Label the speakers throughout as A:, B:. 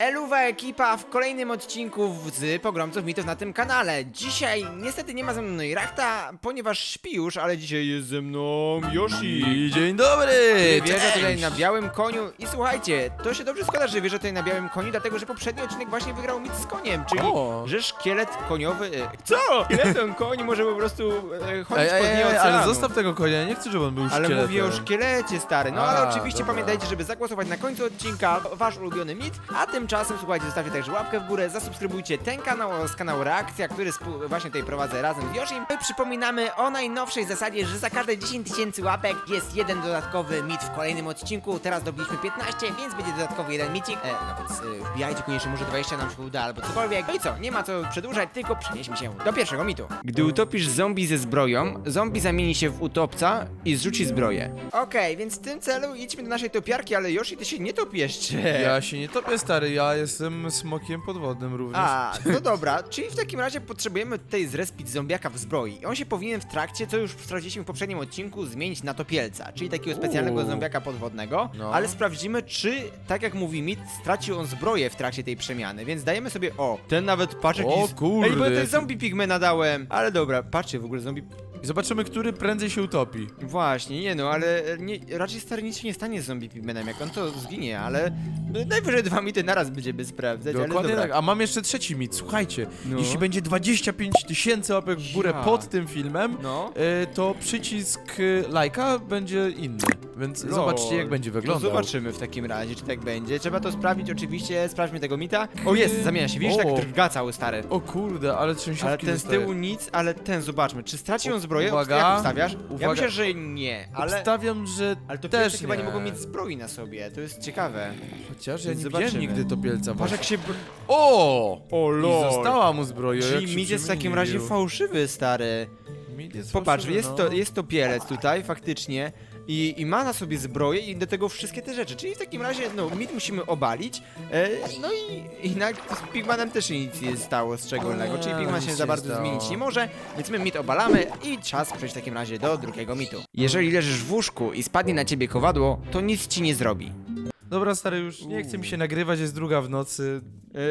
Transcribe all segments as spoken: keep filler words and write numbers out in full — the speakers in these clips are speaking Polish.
A: Eluwa ekipa w kolejnym odcinku z Pogromców Mitów na tym kanale. Dzisiaj niestety nie ma ze mną Neurachta, ponieważ śpi już, ale dzisiaj jest ze mną Yoshi.
B: I dzień dobry!
A: Wierzę tutaj na białym koniu i słuchajcie, to się dobrze składa, że wierzę tutaj na białym koniu, dlatego że poprzedni odcinek właśnie wygrał mit z koniem, czyli
B: O.
A: że szkielet koniowy... E, co? Szkieletem koń może po prostu e, chodzić
B: Ej,
A: po
B: ej,
A: dnie
B: ej,
A: oceanu.
B: ale zostaw tego konia, nie chcę, żeby on był
A: Ale
B: szkieletem.
A: mówię o szkielecie, stary. No
B: A,
A: ale oczywiście
B: dobra.
A: pamiętajcie, żeby zagłosować na końcu odcinka wasz ulubiony mit, a tymczasem słuchajcie, zostawcie także łapkę w górę, zasubskrybujcie ten kanał oraz kanał Reakcja, który właśnie tutaj prowadzę razem z Yoshim. My przypominamy o najnowszej zasadzie, że za każde dziesięć tysięcy łapek jest jeden dodatkowy mit w kolejnym odcinku. Teraz dobiliśmy piętnaście, więc będzie dodatkowy jeden micik. E, no więc e, wbijajcie koniecznie, może dwadzieścia nam się uda albo cokolwiek. No i co, nie ma co przedłużać, tylko przenieśmy się do pierwszego mitu. Gdy utopisz zombie ze zbroją, zombie zamieni się w utopca i zrzuci zbroję. Okej, więc w tym celu idźmy do naszej topiarki, ale Yoshi, ty się nie top jeszcze.
B: Ja się nie topię, stary, ja jestem smokiem podwodnym również.
A: A, no dobra, czyli w takim razie potrzebujemy tutaj zrespić zombiaka w zbroi. On się powinien w trakcie, co już sprawdziliśmy w poprzednim odcinku, zmienić na topielca, czyli takiego specjalnego
B: Uuu.
A: zombiaka podwodnego,
B: No.
A: ale sprawdzimy, czy, tak jak mówi mit, stracił on zbroję w trakcie tej przemiany, więc dajemy sobie, o, ten nawet, patrz jaki...
B: O
A: z-
B: kurde,
A: Ej, bo ja tutaj
B: jaki-
A: zombie pigmena dałem, ale dobra, patrzcie, w ogóle zombie...
B: I zobaczymy, który prędzej się utopi.
A: Właśnie, nie no, ale nie, raczej stary nic się nie stanie z zombie pigmenem, jak on to zginie, ale najwyżej dwa mity naraz będziemy sprawdzać, ale
B: Dokładnie
A: dobra.
B: tak, a mam jeszcze trzeci mit, słuchajcie.
A: No.
B: Jeśli będzie dwadzieścia pięć tysięcy łapek w górę
A: Ja.
B: pod tym filmem,
A: No.
B: y, to przycisk y, lajka będzie inny. Więc
A: Lol.
B: zobaczcie, jak będzie
A: To
B: wyglądał.
A: zobaczymy w takim razie, czy tak będzie. Trzeba to sprawdzić oczywiście, sprawdźmy tego mita. O jest, zamienia się, widzisz,
B: O.
A: tak drga cały stary.
B: O kurde, ale trzęsiówki
A: Ale ten z
B: dostaję.
A: tyłu nic, ale ten zobaczmy, czy straci on zbroję?
B: Uwaga.
A: Jak ustawiasz? Ja
B: Uwaga.
A: myślę, że nie, ale...
B: Obstawiam, że
A: Ale to
B: też
A: chyba nie
B: nie
A: mogą mieć zbroi na sobie, to jest ciekawe.
B: Chociaż ja
A: Więc
B: nie
A: zobaczymy.
B: widziałem nigdy topielca.
A: Patrz jak się... br-
B: O!
A: O
B: I została mu zbroja. jak
A: Czyli
B: się
A: mit jest w takim razie
B: przemienił.
A: fałszywy, stary.
B: Mit jest
A: Popatrz,
B: fałszywy,
A: jest
B: no.
A: to, jest to pielec tutaj, faktycznie. I, I ma na sobie zbroję i do tego wszystkie te rzeczy. Czyli w takim razie, no, mit musimy obalić. E, no i, i na, z Pigmanem też się nic nie stało szczególnego. Czyli Pigman
B: nic
A: się
B: się
A: za bardzo
B: stało.
A: zmienić nie może, więc my mit obalamy i czas przejść w takim razie do drugiego mitu. Jeżeli leżysz w łóżku i spadnie na ciebie kowadło, to nic ci nie zrobi.
B: Dobra, stary, już nie chce mi się nagrywać, jest druga w nocy.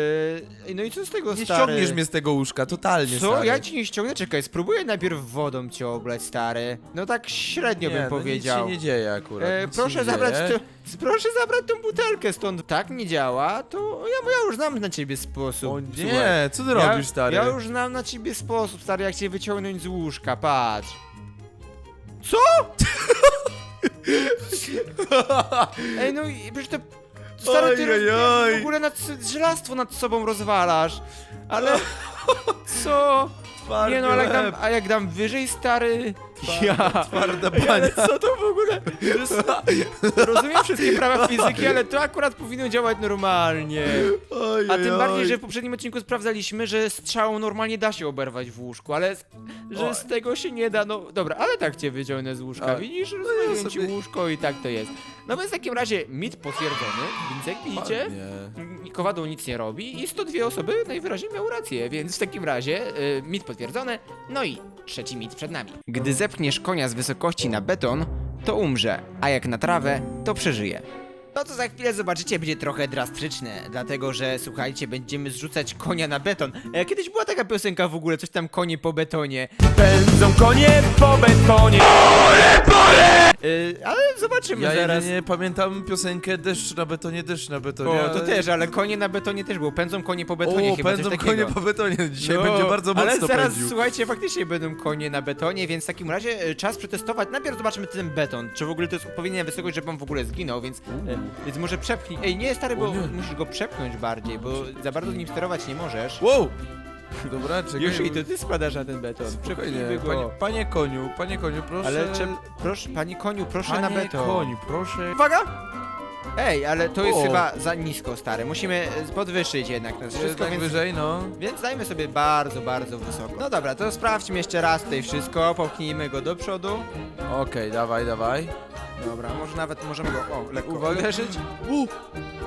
A: E, no i co z tego,
B: Nie
A: stary?
B: ściągniesz mnie z tego łóżka, totalnie,
A: Co?
B: stary.
A: Ja ci nie ściągnę? Czekaj, spróbuję najpierw wodą cię oblać, stary. No tak średnio
B: nie,
A: bym
B: no
A: powiedział.
B: Nic się nie dzieje akurat.
A: E,
B: nic się
A: proszę
B: nie
A: zabrać
B: dzieje.
A: to, proszę zabrać tą butelkę stąd. Tak nie działa, to ja, ja już znam na ciebie sposób.
B: O
A: Słuchaj,
B: nie, co ty
A: ja,
B: robisz, stary?
A: Ja już znam na ciebie sposób, stary, jak cię wyciągnąć z łóżka, patrz. Co? Ej, no i przecież to... Stary, ty
B: Oj, oj, oj.
A: w ogóle nad, żelastwo nad sobą rozwalasz. Ale... Co?
B: Twardy
A: Nie no, ale jak dam,
B: łeb,
A: a jak dam wyżej, stary...
B: twarda- Twarda
A: Ej, ale
B: bania.
A: co to w ogóle? To jest- Rozumiem wszystkie prawa fizyki, ale to akurat powinno działać normalnie.
B: Oj,
A: A
B: oj,
A: tym
B: oj.
A: bardziej, że w poprzednim odcinku sprawdzaliśmy, że strzałą normalnie da się oberwać w łóżku, ale z, że
B: Oj.
A: z tego się nie da, no dobra, ale tak cię wyciągnę z łóżka,
B: A,
A: widzisz?
B: ja
A: Rozumiem ci
B: sobie-
A: łóżko i tak to jest. No więc w takim razie mit potwierdzony, więc jak widzicie,
B: Ładnie.
A: m, kowadło nic nie robi i sto dwie osoby najwyraźniej miały rację, więc w takim razie y, mit potwierdzony, no i trzeci mit przed nami. Gdy zepchniesz konia z wysokości na beton, to umrze, a jak na trawę, to przeżyje. No to za chwilę zobaczycie, będzie trochę drastyczne, dlatego że słuchajcie, będziemy zrzucać konia na beton. E, kiedyś była taka piosenka w ogóle, coś tam konie po betonie. Pędzą konie po betonie. Pole, pole! E, ale zobaczymy
B: Ja
A: zaraz.
B: jedynie pamiętam piosenkę Deszcz na betonie, deszcz na betonie.
A: O, to
B: ale-
A: też, ale konie na betonie też było. Pędzą konie po betonie,
B: O,
A: chyba
B: pędzą
A: coś takiego.
B: konie po betonie. Dzisiaj
A: No,
B: będzie bardzo mocno
A: ale zaraz,
B: pędził.
A: słuchajcie, faktycznie będą konie na betonie, więc w takim razie e, czas przetestować. Najpierw zobaczmy ten beton, czy w ogóle to jest odpowiednia wysokość, żeby on w ogóle zginął, więc, e, więc może przepchnij. Ej, nie, stary, bo
B: O nie.
A: musisz go przepchnąć bardziej, bo za bardzo nim sterować nie możesz.
B: Wow! Dobra, czekaj.
A: Już i to ty składasz na ten beton.
B: Spokojnie.
A: Przepchnijmy go.
B: Panie, panie koniu, panie koniu, proszę.
A: Ale czep, proszę, panie koniu, proszę
B: panie
A: na beton.
B: koniu, proszę.
A: Uwaga! Ej, ale to jest
B: O.
A: chyba za nisko, stary. Musimy e, podwyższyć jednak to wszystko,
B: Wszystko
A: więc...
B: wyżej, no.
A: Więc dajmy sobie bardzo, bardzo wysoko. No dobra, to sprawdźmy jeszcze raz tutaj wszystko, popchnijmy go do przodu.
B: Okej, dawaj, dawaj.
A: Dobra, może nawet możemy go, o, lekko
B: Uwaga.
A: uderzyć.
B: U!
A: I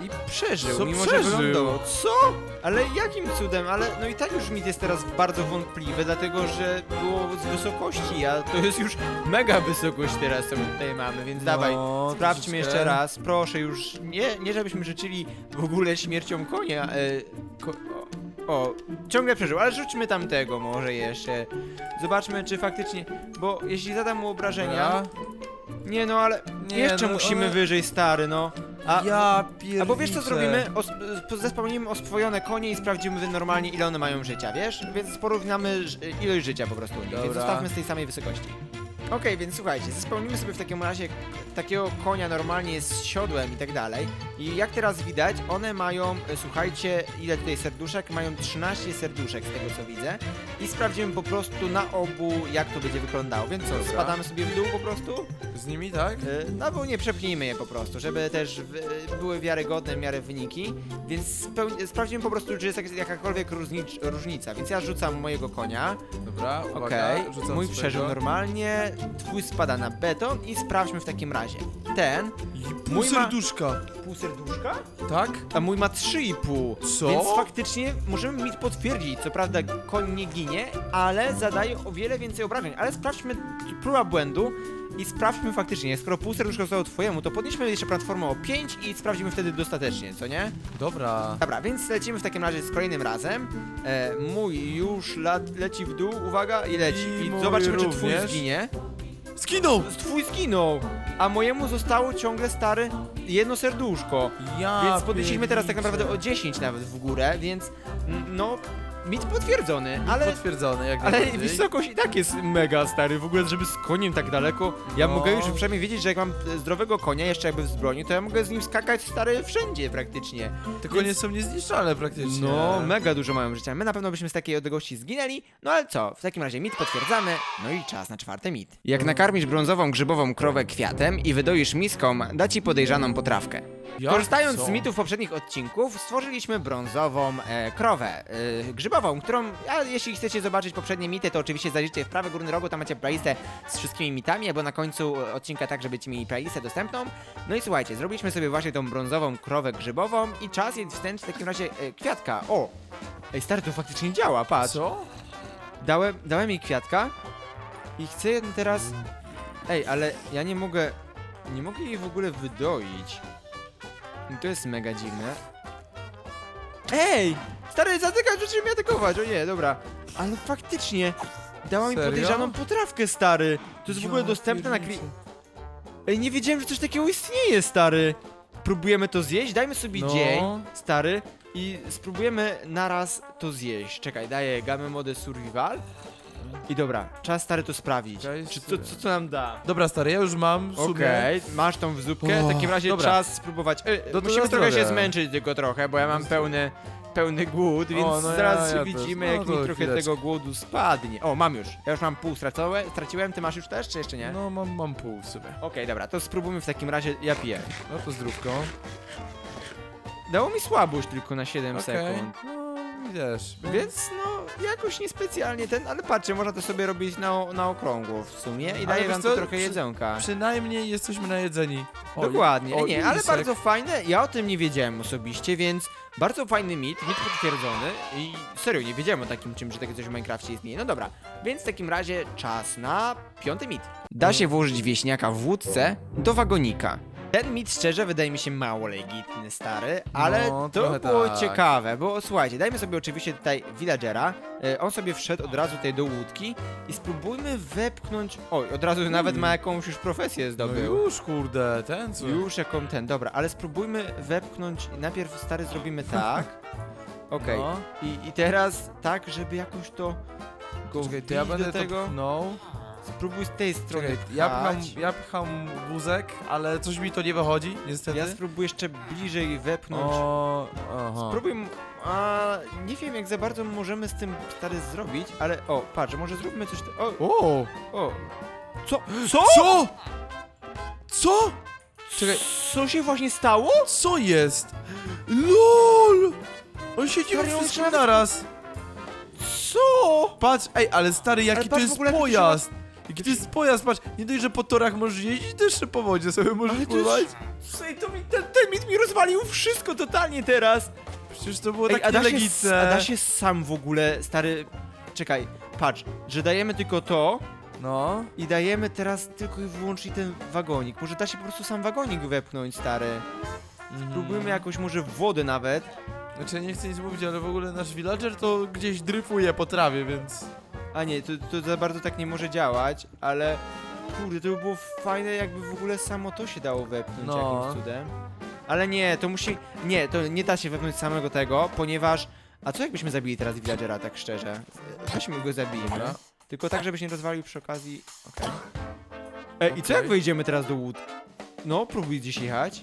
A: I przeżył,
B: Co
A: mimo
B: przeżył?
A: że wylądował. Co? Ale jakim cudem? Ale no i tak już mit jest teraz bardzo wątpliwy, dlatego że było z wysokości, a to jest już mega wysokość teraz, co my tutaj mamy, więc dawaj,
B: No,
A: sprawdźmy
B: troszeczkę.
A: jeszcze raz, proszę już, nie, nie żebyśmy życzyli w ogóle śmiercią konia, e, ko o, o, ciągle przeżył, ale rzućmy tamtego może jeszcze, zobaczmy czy faktycznie, bo jeśli zadam mu obrażenia,
B: Dobra.
A: nie no ale
B: Nie,
A: jeszcze
B: no,
A: musimy
B: one-
A: wyżej, stary, no. A,
B: Ja pierniczę.
A: Albo wiesz co zrobimy? Os zespełnimy oswojone konie i sprawdzimy normalnie ile one mają życia, wiesz? Więc porównamy ż- ilość życia po prostu. Więc
B: Dobra.
A: zostawmy z tej samej wysokości. Okej, więc słuchajcie, zespełnimy sobie w takim razie takiego konia normalnie z siodłem i tak dalej. I jak teraz widać, one mają, e, słuchajcie, ile tutaj serduszek? Mają trzynaście serduszek z tego co widzę. I sprawdzimy po prostu na obu, jak to będzie wyglądało. Więc co,
B: Dobra.
A: spadamy sobie w dół po prostu?
B: Z nimi, tak?
A: E, No bo nie przepnijmy je po prostu, żeby też w, były wiarygodne w miarę wyniki, więc speł- sprawdzimy po prostu, czy jest jak, jakakolwiek różnicz, różnica, więc ja rzucam mojego konia,
B: Dobra, uwaga.
A: okej,
B: rzucam
A: mój
B: swojego.
A: przeżył normalnie, twój spada na beton i sprawdźmy w takim razie. Ten,
B: I pół
A: Mój ma-
B: serduszka.
A: pół serduszka,
B: Tak?
A: a mój ma trzy i pół,
B: Co?
A: więc faktycznie możemy mi potwierdzić, co prawda koń nie ginie, ale zadaje o wiele więcej obrażeń, ale sprawdźmy, próba błędu. I sprawdźmy faktycznie, skoro pół serduszka zostało twojemu, to podnieśmy jeszcze platformę o pięć i sprawdzimy wtedy dostatecznie, co nie?
B: Dobra.
A: Dobra, więc lecimy w takim razie z kolejnym razem. E, mój już la leci w dół, uwaga, i leci.
B: I
A: I
B: mój
A: zobaczymy, czy twój
B: również.
A: zginie.
B: Skinął!
A: Twój zginął, a mojemu zostało ciągle, stary, jedno serduszko.
B: Ja
A: Więc podnieśliśmy teraz tak
B: pierniczę.
A: naprawdę o dziesięć nawet w górę, więc mm, no, mit potwierdzony, ale...
B: Potwierdzone, jak
A: Ale
B: najbardziej.
A: wysokość i tak jest mega, stary, w ogóle żeby z koniem tak daleko, ja
B: No.
A: mogę już przynajmniej wiedzieć, że jak mam e, zdrowego konia, jeszcze jakby w zbroi, to ja mogę z nim skakać, stary, wszędzie praktycznie.
B: Te konie są niezniszczalne praktycznie.
A: No, mega dużo mają życia, my na pewno byśmy z takiej odległości zginęli, no ale co, w takim razie mit potwierdzamy, no i czas na czwarty mit. Jak nakarmisz brązową grzybową krowę kwiatem i wydoisz miską, da ci podejrzaną potrawkę.
B: Jak?
A: Korzystając
B: Co?
A: z mitów poprzednich odcinków, stworzyliśmy brązową e, krowę e, grzybową, którą, a jeśli chcecie zobaczyć poprzednie mity, to oczywiście zajrzyjcie w prawy górny rogu, tam macie playlistę z wszystkimi mitami, albo na końcu odcinka tak, żeby mieli playlistę dostępną. No i słuchajcie, zrobiliśmy sobie właśnie tą brązową krowę grzybową i czas jest wstęp w takim razie e, kwiatka. O! Ej, stary, to faktycznie działa, patrz.
B: Co?
A: Dałem, dałem jej kwiatka i chcę ją teraz... Ej, ale ja nie mogę... Nie mogę jej w ogóle wydoić. To jest mega dziwne. Ej! Stary, zatykać, zacząłem mnie atakować, o nie, dobra. Ale faktycznie, dała mi
B: Serio?
A: podejrzaną potrawkę, stary. To jest w ogóle
B: Ja
A: dostępne na kwi...
B: pierniczę.
A: Ej, nie wiedziałem, że coś takiego istnieje, stary. Próbujemy to zjeść? Dajmy sobie
B: No.
A: dzień, stary, i spróbujemy naraz to zjeść. Czekaj, daję gamę mode survival. I dobra, czas, stary, to sprawdzić.
B: Czekaj,
A: Czy co, co, co nam da?
B: Dobra, stary, ja już mam w sumie.
A: Okej, masz tą w zupkę, w
B: O,
A: takim razie
B: dobra.
A: czas spróbować. E,
B: to
A: musimy
B: na
A: trochę się
B: zdrowie.
A: zmęczyć tylko trochę, bo ja mam pełny, pełny głód, więc
B: no ja-
A: zaraz
B: ja
A: widzimy,
B: też. No
A: jak
B: to
A: mi trochę
B: chwileczkę.
A: tego głodu spadnie. O, mam już. Ja już mam pół stracone, straciłem, ty masz już też, czy jeszcze nie?
B: No, mam, mam pół w sumie.
A: Okej, dobra, to spróbujmy w takim razie, ja piję.
B: No to zdrówko.
A: Dało mi słabość tylko na siedem
B: Okej.
A: sekund.
B: No, wiesz.
A: Więc no, jakoś niespecjalnie ten, ale patrzcie, można to sobie robić na, na okrągło w sumie i
B: Ale
A: daje
B: wiesz
A: wam
B: co,
A: to trochę
B: przy-
A: jedzonka.
B: Przynajmniej jesteśmy najedzeni. O,
A: Dokładnie,
B: o,
A: nie, ale
B: lisek.
A: bardzo fajne, ja o tym nie wiedziałem osobiście, więc bardzo fajny mit, mit potwierdzony i serio, nie wiedziałem o takim czymś, że takie coś w Minecrafcie istnieje. No dobra, więc w takim razie czas na piąty mit. Da się włożyć wieśniaka w wódce do wagonika. Ten mit szczerze wydaje mi się mało legitny, stary, ale
B: No,
A: to
B: trochę
A: było
B: tak.
A: ciekawe, bo słuchajcie, dajmy sobie oczywiście tutaj villagera, e, on sobie wszedł od razu tutaj do łódki i spróbujmy wepchnąć, oj, od razu nawet ma jakąś już profesję
B: No
A: zdobył.
B: już, kurde, ten co?
A: Już jaką ten, dobra, ale spróbujmy wepchnąć, najpierw stary zrobimy tak, okej,
B: No.
A: I, i teraz tak, żeby jakoś to go
B: Czekaj, to ja
A: wbić
B: będę
A: do tego,
B: to pchnął.
A: spróbuj z tej strony
B: Czekaj, ja pcham,
A: pchać.
B: ja pcham wózek, ale coś mi to nie wychodzi, niestety.
A: Ja spróbuję jeszcze bliżej wepchnąć,
B: O, aha.
A: spróbuj, m- a nie wiem jak za bardzo możemy z tym stary zrobić, ale o, patrz, może zróbmy coś, te- o,
B: O!
A: o, co, co?
B: Co? Co? Czekaj,
A: Co się właśnie stało?
B: co jest? LOL! On siedzi
A: Stary,
B: we
A: on
B: wszystkim
A: nawet-
B: naraz.
A: Co?
B: Patrz, ej, ale stary, jaki
A: Ale
B: to
A: patrz w
B: jest
A: ogóle, jak to się
B: pojazd! Jaki Jaki to jest pojazd, patrz, nie dość, że po torach możesz jeździć, to jeszcze po wodzie sobie możesz
A: Ale to
B: pływać.
A: jest... Słuchaj, to mi, ten, ten mit mi rozwalił wszystko totalnie teraz.
B: Przecież to było
A: Ej,
B: takie
A: a da się,
B: legitne.
A: a da się sam w ogóle, stary... Czekaj, patrz, że dajemy tylko to
B: No.
A: i dajemy teraz tylko i wyłącznie ten wagonik. Może da się po prostu sam wagonik wepchnąć, stary.
B: Mhm.
A: Spróbujmy jakoś może w wodę nawet.
B: Znaczy, ja nie chcę nic mówić, ale w ogóle nasz villager to gdzieś dryfuje po trawie, więc...
A: A nie, to, to za bardzo tak nie może działać, ale... Kurde, to by było fajne, jakby w ogóle samo to się dało wepchnąć
B: No.
A: jakimś cudem. Ale nie, to musi... Nie, to nie da się wepchnąć samego tego, ponieważ... A co jakbyśmy zabili teraz villagera, tak szczerze? Weźmy go, zabijmy.
B: Dobra.
A: Tylko tak, żebyś nie rozwalił przy okazji... Okej. E, i co
B: Okej.
A: jak wejdziemy teraz do łód? No, próbuj gdzieś jechać.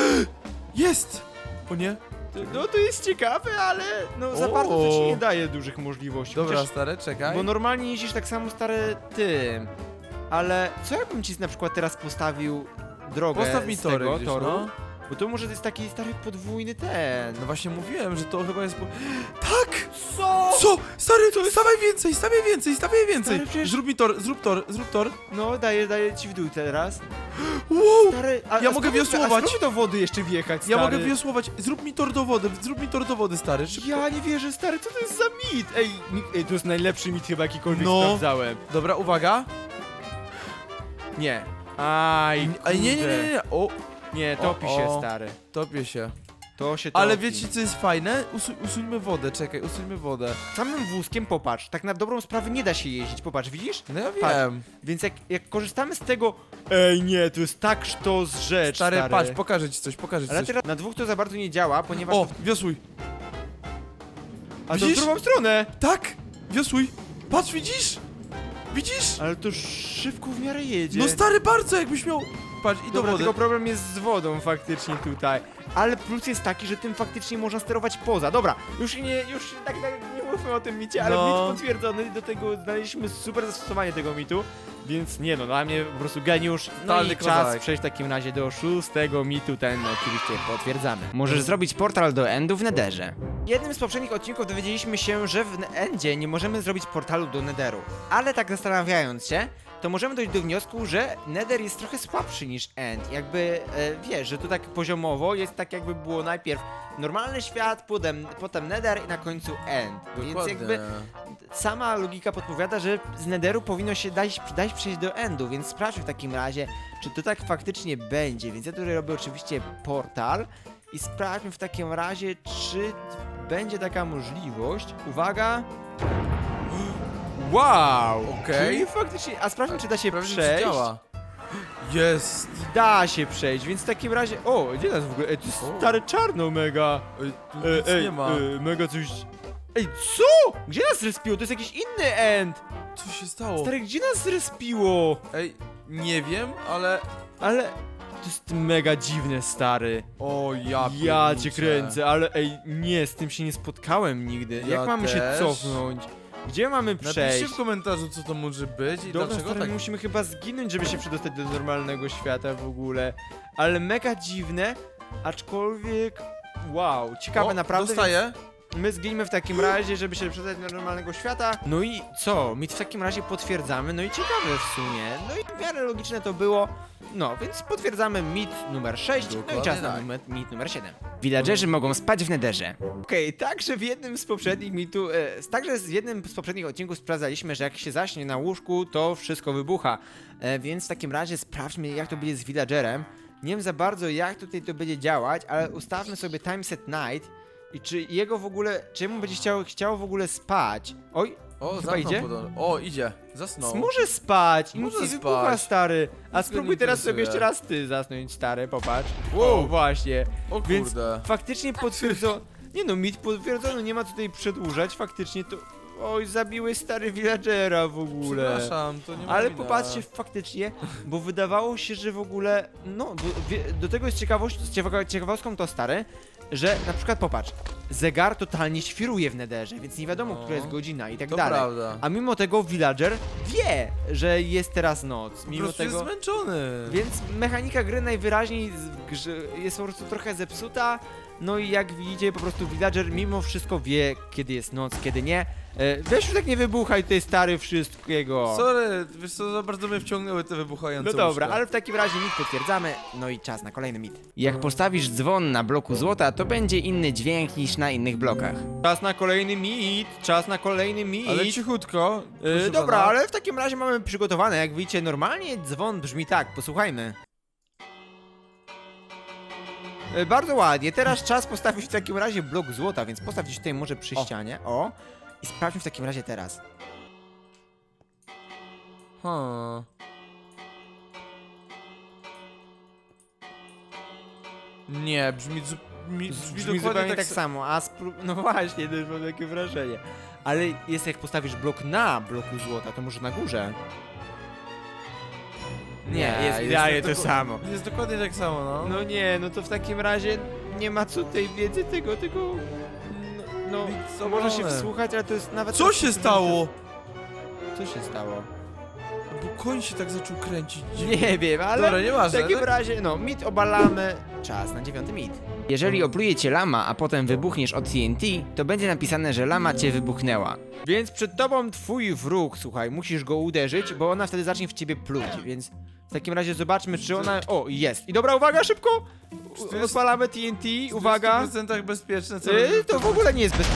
B: Jest! O nie?
A: No to jest ciekawe, ale no za
B: O.
A: bardzo to ci nie daje dużych możliwości.
B: Dobra,
A: Chociaż,
B: stary, czekaj.
A: bo normalnie jeździsz tak samo stary tym. Ale co jakbym ci na przykład teraz postawił drogę
B: Postaw mi
A: z
B: tory
A: tego
B: gdzieś,
A: toru?
B: no.
A: Bo to może to jest taki stary podwójny ten.
B: No właśnie mówiłem, że to chyba jest... Po... Tak!
A: Co?
B: Co? Stary, stawiaj więcej, stawiaj więcej, stawiaj więcej!
A: Stary, przecież-
B: Zrób mi tor, zrób tor, zrób tor.
A: No daję, daję ci w dół teraz.
B: Wow!
A: Stary, a,
B: Ja
A: a
B: mogę
A: spróbuj-
B: wiosłować.
A: A spróbuj do wody jeszcze wjechać, stary.
B: Ja mogę wiosłować, zrób mi tor do wody, zrób mi tor do wody, stary, szybko.
A: Ja nie wierzę, stary, co to jest za mit? Ej, mi, ej to jest najlepszy mit chyba jakikolwiek
B: No.
A: sprawdzałem.
B: Dobra, uwaga.
A: Nie. Aj,
B: Ej, nie, nie,
A: kurde.
B: nie, nie, o,
A: Nie, topi
B: O,
A: się,
B: o.
A: stary.
B: topię się.
A: To się topi.
B: Ale wiecie co jest fajne? Usu usuńmy wodę, czekaj, usuńmy wodę.
A: Samym wózkiem, popatrz, tak na dobrą sprawę nie da się jeździć, popatrz, widzisz?
B: No ja
A: Patrz.
B: wiem.
A: Więc jak, jak korzystamy z tego... Ej, nie, to jest tak sztos rzecz,
B: Stary,
A: stary.
B: patrz, pokażę ci coś, pokażę ci
A: Ale
B: coś.
A: teraz na dwóch to za bardzo nie działa, ponieważ...
B: O,
A: To...
B: wiosłuj.
A: A to w
B: widzisz?
A: drugą stronę!
B: Tak, wiosłuj. Patrz, widzisz? Widzisz?
A: Ale to szybko w miarę jedzie.
B: No stary, bardzo jakbyś miał... Patrz, i do
A: Dobra,
B: wody.
A: tylko problem jest z wodą faktycznie tutaj. Ale plus jest taki, że tym faktycznie można sterować poza. Dobra, już nie, już tak, tak nie mówmy o tym micie, ale
B: No.
A: mit potwierdzony, do tego znaleźliśmy super zastosowanie tego mitu. Więc nie no, dla mnie po prostu geniusz. No
B: Totalny
A: i czas
B: kozak.
A: przejść w takim razie do szóstego mitu, ten oczywiście potwierdzamy. Możesz zrobić portal do Endu w Netherze. W jednym z poprzednich odcinków dowiedzieliśmy się, że w Endzie nie możemy zrobić portalu do Netheru. Ale tak zastanawiając się, to możemy dojść do wniosku, że Nether jest trochę słabszy niż End. Jakby, e, wiesz, że to tak poziomowo jest tak jakby było najpierw normalny świat, potem, potem Nether i na końcu End. Więc
B: Dokładnie.
A: jakby sama logika podpowiada, że z Netheru powinno się dać, dać przejść do Endu, więc sprawdźmy w takim razie, czy to tak faktycznie będzie. Więc ja tutaj robię oczywiście portal i sprawdźmy w takim razie, czy będzie taka możliwość. Uwaga! Wow!
B: Okej.
A: Czyli faktycznie, a sprawdźmy, czy da się
B: Sprawdźmy, czy
A: przejść.
B: działa. Jest.
A: Da się przejść, więc w takim razie... O, gdzie nas w ogóle? Ej, to jest
B: O.
A: stare czarno mega.
B: Ej, tu
A: Ej,
B: nic
A: ej,
B: nie ma.
A: ej, mega coś... Ej, co? Gdzie nas zrespiło? To jest jakiś inny end.
B: Co się stało?
A: Stary, gdzie nas zrespiło?
B: Ej, nie wiem, ale...
A: Ale... To jest mega dziwne, stary.
B: O, ja
A: Ja cię
B: pierniczę.
A: kręcę, ale ej, nie, z tym się nie spotkałem nigdy.
B: Ja
A: Jak mamy się
B: też.
A: cofnąć? Gdzie mamy
B: Napiszcie
A: przejść?
B: w komentarzu, co to może być i
A: Dobra,
B: dlaczego
A: stary,
B: tak...
A: musimy chyba zginąć, żeby się przedostać do normalnego świata w ogóle. Ale mega dziwne, aczkolwiek... Wow, ciekawe
B: O,
A: naprawdę.
B: dostaję.
A: więc My zginimy w takim razie, żeby się przedostać do normalnego świata. No i co? My w takim razie potwierdzamy, no i ciekawe w sumie. No i w miarę logiczne to było. No, więc potwierdzamy mit numer sześć, no i
B: Dokładnie
A: czas na
B: tak.
A: numer, mit numer siedem. Villagerzy mogą spać w Netherze. Okej, także w jednym z poprzednich mitu, e, także w jednym z poprzednich odcinków sprawdzaliśmy, że jak się zaśnie na łóżku, to wszystko wybucha. E, więc w takim razie sprawdźmy, jak to będzie z villagerem. Nie wiem za bardzo, jak tutaj to będzie działać, ale ustawmy sobie time set night i czy jego w ogóle, czy jemu będzie chciało, chciało w ogóle spać. Oj,
B: O,
A: chyba
B: zamknął
A: idzie?
B: podobno. O, idzie. Zasnął.
A: może spać i
B: Może
A: nic nie
B: spać.
A: wybucha, stary. A
B: Nic go
A: spróbuj
B: nie
A: teraz sobie
B: interesuje.
A: jeszcze raz ty zasnąć, stary, popatrz.
B: Wow.
A: O, właśnie.
B: O
A: Więc
B: kurde.
A: faktycznie potwierdzono. Nie no, mit potwierdzono, nie ma tutaj przedłużać, faktycznie to... Oj, zabiłeś stary villagera w ogóle.
B: Przepraszam, to nie ma
A: Ale
B: wina.
A: popatrzcie faktycznie, bo wydawało się, że w ogóle, no, bo wie, do tego jest ciekawość, ciekawa- ciekawostką to stary, że na przykład popatrz, zegar totalnie świruje w Netherze, więc nie wiadomo,
B: No.
A: która jest godzina i tak
B: To
A: dalej.
B: prawda.
A: A mimo tego villager wie, że jest teraz noc,
B: Po
A: mimo
B: prostu
A: tego...
B: jest zmęczony.
A: Więc mechanika gry najwyraźniej z- grze- jest po prostu trochę zepsuta, No i jak widzicie, po prostu villager mimo wszystko wie, kiedy jest noc, kiedy nie. E, weź już tak nie wybuchaj, ty stary wszystkiego.
B: Sorry, wiesz co, za bardzo mnie wciągnęły te wybuchające
A: No dobra,
B: łóżka.
A: ale w takim razie mit potwierdzamy, no i czas na kolejny mit. Jak postawisz dzwon na bloku złota, to będzie inny dźwięk niż na innych blokach. Czas na kolejny mit, czas na kolejny mit.
B: Ale cichutko.
A: E,
B: proszę
A: dobra,
B: pana.
A: ale w takim razie mamy przygotowane, jak widzicie, normalnie dzwon brzmi tak, posłuchajmy. E, bardzo ładnie, teraz czas postawić w takim razie blok złota, więc postaw gdzieś tutaj może przy
B: O.
A: ścianie, o. I sprawdźmy w takim razie teraz.
B: Hmm. Nie, brzmi, zu- mi, brzmi,
A: Brzmi
B: dokładnie
A: zupełnie
B: tak,
A: tak
B: sa-
A: samo, a spró- no właśnie, też mam takie wrażenie. Ale jest jak postawisz blok na bloku złota, to może na górze. Nie, jest idealnie to
B: doku-
A: samo.
B: Jest dokładnie tak samo, no.
A: No nie, no to w takim razie nie ma co tej wiedzy tego, tego... No,
B: Nic
A: no można się
B: obrone.
A: wsłuchać, ale to jest nawet...
B: Co się stało?
A: Co się stało?
B: Bo koń się tak zaczął kręcić.
A: Nie wiem, ale
B: Dobra, nieważne.
A: w takim
B: tak?
A: razie, no, mit obalamy. Czas na dziewiąty mit. Jeżeli opluje cię lama, a potem wybuchniesz od T N T, to będzie napisane, że lama cię wybuchnęła. Więc przed tobą twój wróg, słuchaj, musisz go uderzyć, bo ona wtedy zacznie w ciebie pluć, więc w takim razie zobaczmy, czy ona... O, jest. I dobra, uwaga, szybko!
B: To
A: U-
B: jest-
A: Odpalamy T N T, uwaga!
B: W stu procentach bezpieczne, co
A: Yy, to w ogóle nie jest bez...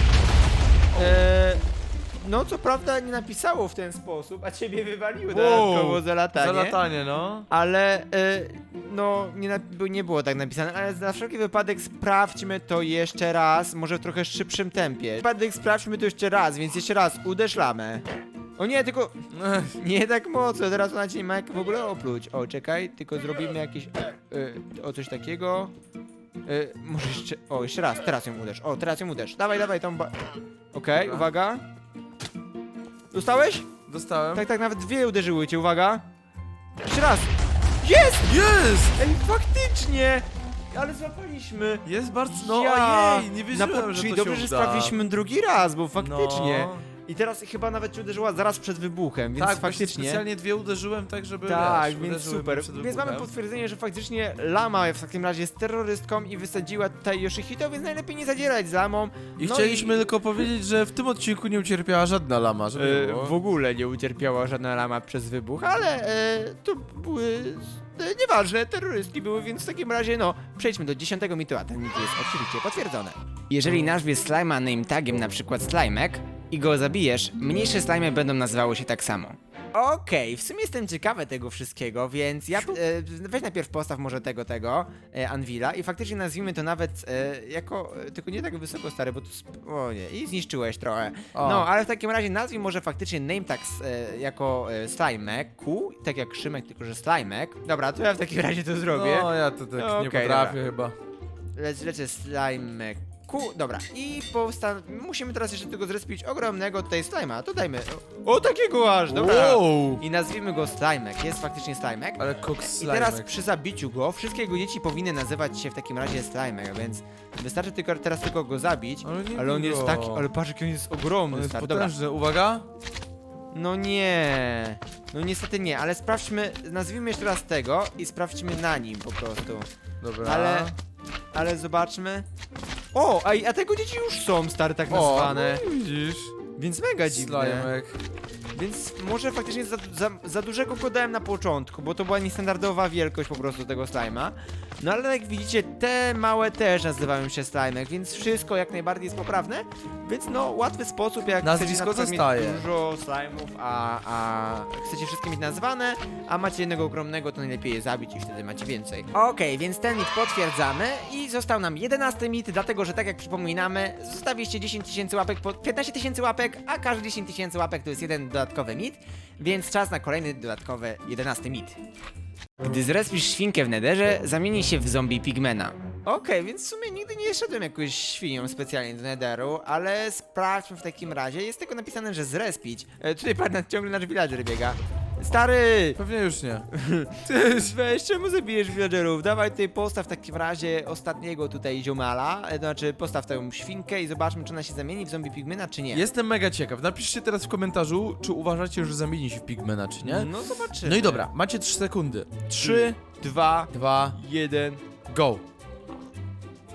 A: Eee, no, co prawda nie napisało w ten sposób, a ciebie wywaliły dodatkowo za latanie.
B: Za latanie, no.
A: Ale, e, no, nie, na, by- nie było tak napisane, ale na wszelki wypadek sprawdźmy to jeszcze raz, może w trochę szybszym tempie. Wypadek sprawdźmy to jeszcze raz, więc jeszcze raz, uderz lamę. O nie, tylko,
B: Ech,
A: nie tak mocno, teraz ona cię nie ma jak w ogóle opluć. O, czekaj, tylko zrobimy jakieś, e, e, o coś takiego. E, może jeszcze, o, jeszcze raz, teraz ją uderz, o, teraz ją uderz. Dawaj, dawaj tą ba... Okej,
B: Dobra.
A: uwaga. Dostałeś?
B: Dostałem.
A: Tak, tak, nawet dwie uderzyły cię, uwaga. Jeszcze raz. Jest!
B: Jest!
A: Ej, faktycznie! Ale złapaliśmy!
B: Jest bardzo... No
A: Ja!
B: ojej, nie
A: Na
B: wierzyłem,
A: po-
B: że
A: Czyli
B: to
A: dobrze,
B: się
A: że
B: uda.
A: sprawdziliśmy drugi raz, bo faktycznie.
B: No.
A: I teraz chyba nawet ci uderzyła zaraz przed wybuchem, więc
B: Tak, faktycznie.
A: faktycznie.
B: Specjalnie dwie uderzyłem tak, żeby
A: Tak,
B: wiesz,
A: więc
B: uderzyły
A: super.
B: mnie przed
A: Więc mamy
B: wybuchem.
A: potwierdzenie, że faktycznie lama w takim razie jest terrorystką i wysadziła tutaj Yoshihito, więc najlepiej nie zadzierać z lamą.
B: I
A: No
B: chcieliśmy tylko powiedzieć, że w tym odcinku nie ucierpiała żadna lama, żeby
A: E,
B: było.
A: w ogóle nie ucierpiała żadna lama przez wybuch, ale e, to były e, nieważne, terrorystki były, więc w takim razie no, przejdźmy do dziesiątego mitu, a ten mit jest oczywiście potwierdzony. Jeżeli nazwiesz slima name tagiem na przykład slimek i go zabijesz, mniejsze slimy będą nazywały się tak samo. Okej, w sumie jestem ciekawy tego wszystkiego, więc ja, e, weź najpierw postaw może tego, tego, e, Anvila i faktycznie nazwijmy to nawet e, jako, e, tylko nie tak wysoko stary, bo tu, sp- o nie, i zniszczyłeś trochę.
B: O.
A: No, ale w takim razie nazwij może faktycznie name tag e, jako e, slimek, Q, tak jak Szymek, tylko że slimek. Dobra, to ja w takim razie to zrobię.
B: No, ja to tak
A: No,
B: nie
A: okej,
B: potrafię chyba.
A: Lec, lecę slimek. Q, dobra, i powsta... musimy teraz jeszcze tego zrespić ogromnego tutaj slima, to dajmy, o, o takiego aż, dobra.
B: Wow!
A: I nazwijmy go Slimek, jest faktycznie Slimek.
B: Ale koks
A: I teraz
B: slimek.
A: przy zabiciu go, wszystkie jego dzieci powinny nazywać się w takim razie Slimek, więc wystarczy tylko, teraz tylko go zabić.
B: Ale, nie
A: Ale on jest
B: go.
A: taki, ale patrz jaki on jest ogromny,
B: On jest
A: stary. Dobra.
B: potężny, uwaga!
A: No nie, no niestety nie, ale sprawdźmy, nazwijmy jeszcze raz tego i sprawdźmy na nim po prostu.
B: Dobra.
A: Ale, ale zobaczmy. O, a, a tego dzieci już są, stary, tak
B: O,
A: nazwane.
B: no i widzisz.
A: Więc mega dziwne.
B: Slimek.
A: Więc może faktycznie za, za, za dużego go dałem na początku, bo to była niestandardowa wielkość po prostu tego slima. No ale jak widzicie, te małe też nazywają się slimek, więc wszystko jak najbardziej jest poprawne. Więc no, łatwy sposób, jak
B: Nazwisko
A: chcecie na przykład
B: zostaje.
A: mieć dużo slimów, a, a chcecie wszystkie mieć nazwane, a macie jednego ogromnego, to najlepiej je zabić i wtedy macie więcej. Okej, więc ten mit potwierdzamy i został nam jedenasty mit, dlatego że tak jak przypominamy, zostawiliście dziesięć tysięcy łapek, po piętnaście tysięcy łapek, a każdy dziesięć tysięcy łapek to jest jeden dodatkowy mit, więc czas na kolejny dodatkowy jedenasty mit. Gdy zrespisz świnkę w nederze, zamieni się w zombie pigmena. Okej, więc w sumie nigdy nie szedłem jakąś świnią specjalnie do nederu, ale sprawdźmy w takim razie. Jest tylko napisane, że zrespić. E, tutaj pan ciągle nasz villager biega. Stary!
B: Pewnie już nie.
A: Ty, weź, czemu zabijesz villagerów? Dawaj tutaj postaw w takim razie ostatniego tutaj ziomala, e, to znaczy postaw tę świnkę i zobaczmy, czy ona się zamieni w zombie pigmena, czy nie.
B: Jestem mega ciekaw. Napiszcie teraz w komentarzu, czy uważacie, że zamieni się w pigmena, czy nie?
A: No zobaczymy.
B: No i dobra, macie trzy sekundy. trzy,
A: dwa,
B: dwa,
A: jeden.
B: go.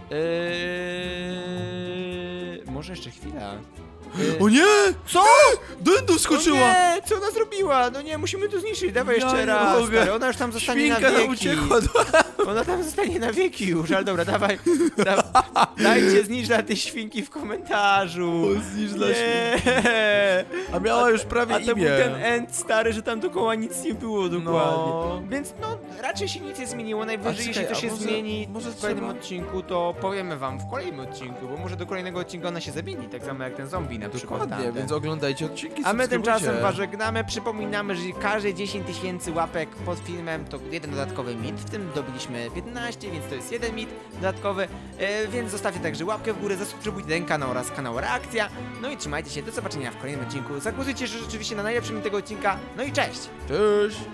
A: Eee, może jeszcze chwila. Eee,
B: O nie!
A: co?
B: Dędu
A: O
B: skoczyła!
A: nie, co ona zrobiła? No nie, musimy to zniszczyć, dawaj
B: Ja
A: jeszcze
B: nie
A: raz,
B: mogę.
A: stary. Ona już tam zostanie
B: Świnka
A: na
B: nam
A: wieki.
B: uciekła do...
A: Ona tam zostanie na wieki już, ale dobra, dawaj, da, dajcie znicz dla tej świnki w komentarzu.
B: O, znicz dla
A: Nie.
B: A miała już prawie
A: A to był
B: imię.
A: ten end stary, że tam dookoła nic nie było dokładnie.
B: No.
A: Więc no, raczej się nic nie zmieniło. Najwyżej,
B: A
A: jeśli
B: czekaj,
A: to
B: a
A: się
B: może-
A: zmieni
B: może
A: w kolejnym
B: trzeba-
A: odcinku, to powiemy wam w kolejnym odcinku, bo może do kolejnego odcinka ona się zamieni, tak samo jak ten zombie na przykład.
B: Dokładnie,
A: tamten.
B: więc oglądajcie odcinki,
A: A my tymczasem
B: subskrybujcie.
A: was żegnamy, przypominamy, że każde dziesięć tysięcy łapek pod filmem to jeden dodatkowy mit, w tym dobiliśmy piętnaście, więc to jest jeden mit dodatkowy, e, więc zostawcie także łapkę w górę, zasubskrybujcie ten kanał oraz kanał Reakcja, no i trzymajcie się, do zobaczenia w kolejnym odcinku, zagłosujcie rzeczywiście na najlepszy mit tego odcinka, no i cześć!
B: Cześć!